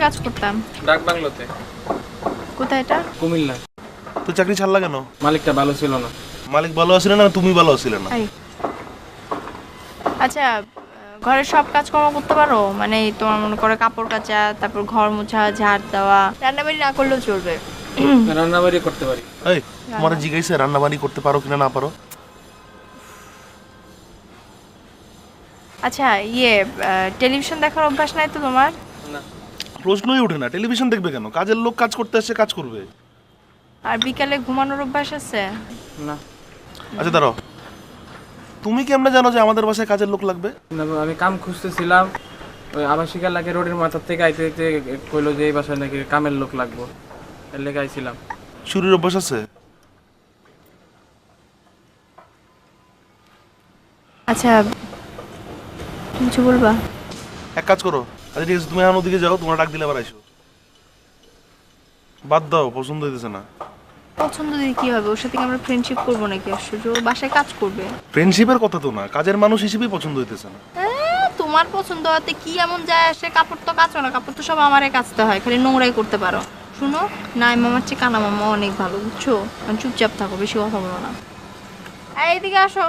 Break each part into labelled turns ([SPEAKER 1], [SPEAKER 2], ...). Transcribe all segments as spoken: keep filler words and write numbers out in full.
[SPEAKER 1] কাজ করতাম?
[SPEAKER 2] ডাক বাংলোতে।
[SPEAKER 1] কোথায় এটা?
[SPEAKER 2] কুমিল্লা।
[SPEAKER 3] তো চাকরি ছাড়লা কেন?
[SPEAKER 2] মালিকটা ভালো ছিল না।
[SPEAKER 3] মালিক ভালো আছিল না তুমি ভালো ছিলে না?
[SPEAKER 1] আচ্ছা, ঘরের সব কাজকর্ম করতে পারো? মানে তোমার মনে করে কাপড় কাচা, তারপর ঘর মোছা, ঝাড় দেওয়া, রান্নাবাড়ি না করলেও চলবে?
[SPEAKER 2] রান্নাবাড়ি করতে পারি।
[SPEAKER 3] এই তোমার জিজ্ঞাসা রান্না বাড়ি করতে পারো কিনা না পারো?
[SPEAKER 1] আচ্ছা, ইয়ে টেলিভিশন দেখার অভ্যাস নাই তো তোমার?
[SPEAKER 2] না।
[SPEAKER 3] প্রশ্নই ওঠে না, টেলিভিশন দেখবে কেন? কাজের লোক কাজ করতে আসছে, কাজ করবে।
[SPEAKER 1] আর বিকালে ঘুমানোর অভ্যাস আছে?
[SPEAKER 2] না।
[SPEAKER 3] আচ্ছা দাঁড়াও, তুমি কেমনে জানো যে আমাদের বাসায় কাজের লোক লাগবে?
[SPEAKER 2] না, আমি কাম খুঁজতেছিলাম, ওই আবাসিক এলাকায় রোডের মাথার থেকে আইতে আইতে কইলো যে এই বাসায় নাকি কামের লোক লাগবে, এর লেগে আইছিলাম।
[SPEAKER 3] চুরির অভ্যাস আছে?
[SPEAKER 1] আচ্ছা, কিছু বলবা?
[SPEAKER 3] এক কাজ করো, আচ্ছা ঠিক আছে, তুমি এখন ওদিকে যাও, তোমার ডাক দিলে আবার আইসো। বাদ দাও, পছন্দ হইতেছে না।
[SPEAKER 1] পছন্দ দিয়ে কি হবে? ওর সাথে কি আমরা ফ্রেন্ডশিপ করবো নাকি? আশ্চর্য, ও বাসায় কাজ করবে।
[SPEAKER 3] ফ্রেন্ডশিপের কথা তো না, কাজের মানুষ হিসেবেই পছন্দ হইতেছে না।
[SPEAKER 1] আহ, তোমার পছন্দ হতে কি এমন যায় আসে? কাপড় তো কাচো না, কাপড় তো সব আমারে কাচতে হয়, খালি নোংরাই করতে পারো। শুনো, নাই মামার চেয়ে কানা মামা অনেক ভালো, বুঝছো? মানে চুপচাপ থাকো, বেশি কথা বলো না। এই, এইদিকে আসো।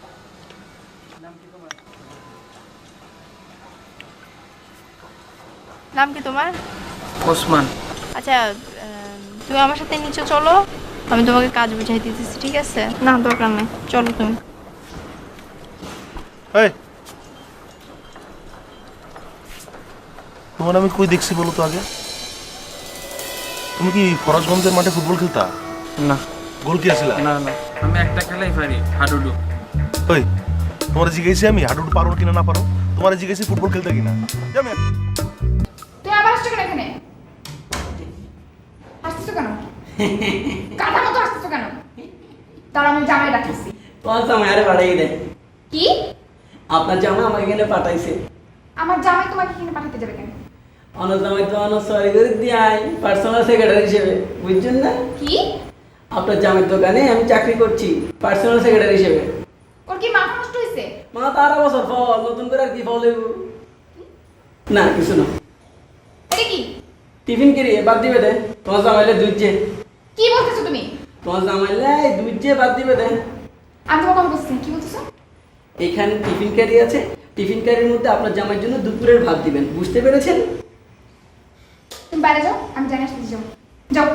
[SPEAKER 1] নাম কি তোমার?
[SPEAKER 2] ওসমান।
[SPEAKER 1] আচ্ছা, আহ, তুমি আমার সাথে নিচে চলো, আমি তোমাকে কাজ বুঝাই দিতেছি, ঠিক আছে? না, দরকার নেই, চলো তুমি।
[SPEAKER 3] এই তোমার আমি কই দেখছি বলো তো আগে? তুমি কি ফরাজগঞ্জের মাঠে ফুটবল খেলতা?
[SPEAKER 2] না।
[SPEAKER 3] গোল কি আসিলা?
[SPEAKER 2] না না, আমি একটা খেলাই পারি, হাডুডু।
[SPEAKER 3] ওই তোমার জিজ্ঞেসি আমি হাডুডু পারো কিনা না পারো, তোমার জিজ্ঞেসি ফুটবল খেলতে কিনা। জানো
[SPEAKER 4] তুই আবার আসছো কেন এখানে? আসতেছো কেন? কাঁটার মতো আসতেছো কেন? তার আমি জামাই ডাকতেছি।
[SPEAKER 5] তোমার জামাই আরে পাঠাই দেয়।
[SPEAKER 4] কি?
[SPEAKER 5] আপনার জামাই আমাকে এখানে পাঠাইছে।
[SPEAKER 4] আমার জামাই তোমাকে এখানে পাঠাতে যাবে কেন?
[SPEAKER 5] অনার জামাই তো অনার সরি করে দিয়ে আই পার্সোনাল সেক্রেটারি হিসেবে, বুঝছেন না?
[SPEAKER 4] কি?
[SPEAKER 5] আপনার জামাইয়ের দোকানে আমি চাকরি করছি পার্সোনাল সেক্রেটারি হিসেবে।
[SPEAKER 4] ওর কি মাথা নষ্ট হয়েছে?
[SPEAKER 5] মা তারা বছর ফল নতুন করে আর কি ফল হইব? না কিছু না।
[SPEAKER 4] এটা কি?
[SPEAKER 5] টিফিন কিরি বাদ দিবে দে, তোমার জামাইলে দুইছে।
[SPEAKER 4] কি বলতেছো তুমি?
[SPEAKER 5] তোমার জামাইলে দুইছে বাদ দিবে দে।
[SPEAKER 4] আমি তোমার কথা বলছি, কি বলতেছো?
[SPEAKER 5] এখানে টিফিন ক্যারি আছে, টিফিন ক্যারির মধ্যে আপনার জামাইয়ের জন্য দুপুরের ভাত দিবেন, বুঝতে পেরেছেন?
[SPEAKER 4] তুমি বাইরে যাও, আমি জানি আসতে যাও। যাও।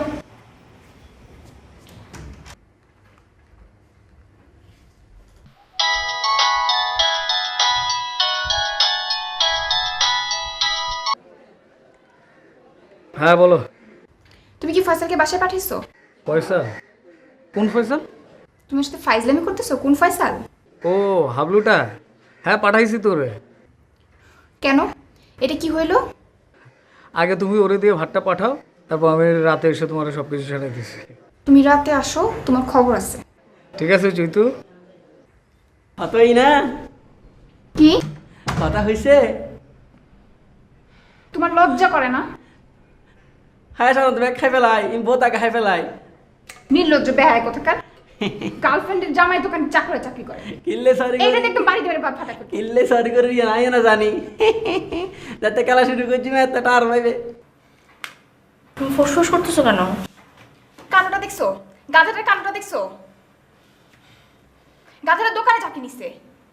[SPEAKER 2] হ্যাঁ বলো।
[SPEAKER 4] তুমি কি ফয়সালকে বাসায় পাঠিয়েছো?
[SPEAKER 2] পয়সা? কোন পয়সা?
[SPEAKER 4] তুমি ওর সাথে ফাইজলামি করতেছো? কোন ফয়সাল?
[SPEAKER 2] ও হাবলুটা, হ্যাঁ পাঠাইছি তোরে।
[SPEAKER 4] কেন? এটা কি হইলো?
[SPEAKER 2] আগে তুমি ওরে দিয়ে ভাতটা পাঠাও, তারপর আমি রাতে এসে তোমার সব কিছু সেটাই দিচ্ছি।
[SPEAKER 4] তুমি রাতে আসো, তোমার খবর আছে।
[SPEAKER 2] ঠিক আছে চৈতু?
[SPEAKER 5] হতই না?
[SPEAKER 4] কি?
[SPEAKER 5] কথা হয়েছে?
[SPEAKER 4] তোমার লজ্জা করে না?
[SPEAKER 5] হ্যাঁ সাধারণত ব্যাগ খাই ফেলাই, বোতাকে খাই ফেলাই।
[SPEAKER 4] নির্লজ্জ বেহায় কোথাকার। গার্লফ্রেন্ডের জামাই দোকানে চাকরি চাকরি করে।
[SPEAKER 5] কিল্লে সরি
[SPEAKER 4] এইটা একদম বাড়ি ধরে বাপ ফাটা করে।
[SPEAKER 5] কিল্লে সরি করে দিয়ে নাই না জানি যাতে খেলা শুরু করছি না এতটা আর ভাইবে।
[SPEAKER 1] তুমি ফোসফোস করতেছো কেন?
[SPEAKER 4] কানোটা দেখছো? গাধাটার কানোটা দেখছো? গাধাটা দোকানে চাকরি নিচ্ছে।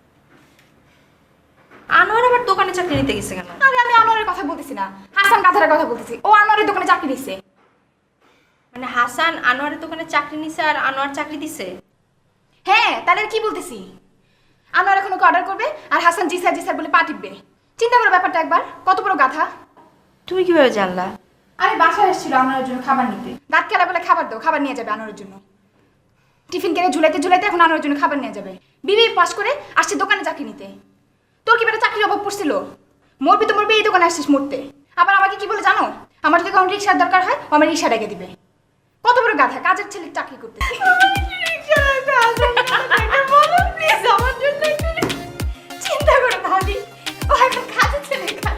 [SPEAKER 1] আনোয়ার আবার দোকানে চাকরি নিতে গেছে কেন?
[SPEAKER 4] আরে আমি আনোয়ারের কথা বলতেছি না, হাসান গাধাটার কথা বলতেছি। ও আনোয়ারের দোকানে চাকরি নিচ্ছে।
[SPEAKER 1] মানে হাসান আনোয়ারের দোকানে চাকরি নিছে আর আনোয়ার চাকরি দিছে?
[SPEAKER 4] হ্যাঁ, তাহলে আর কি বলতেছি? আনোয়ার এখন ওকে অর্ডার করবে আর হাসান জি স্যার জি স্যার বলে পা টিপবে। চিন্তা করো ব্যাপারটা একবার, কত বড় গাধা।
[SPEAKER 1] তুমি কিভাবে জানলা?
[SPEAKER 4] আমি বাসায় এসেছিল আনোয়ারের জন্য খাবার নিতে। দাঁত কেলা বলে খাবার দাও, খাবার নিয়ে যাবে আনোয়ারের জন্য। টিফিন কেড়ে ঝুলাইতে ঝুলাইতে এখন আনোয়ারের জন্য খাবার নিয়ে যাবে। বিবি পাস করে আসছে দোকানে চাকরি নিতে। তোর কি বেটা চাকরির অভাব পড়ছিল? মরবি তো মরবি, এই দোকানে আসছিস মরতে। আবার আমাকে কি বলে জানো? আমার যদি কখন রিক্সার দরকার হয়, ও আমার রিক্সা ডেকে দিবে। কত বড় গাধা, কাজের ছেলে চাকরি করতে। চিন্তা করো ভাবি, ও এখন কাজের ছেলে কাজ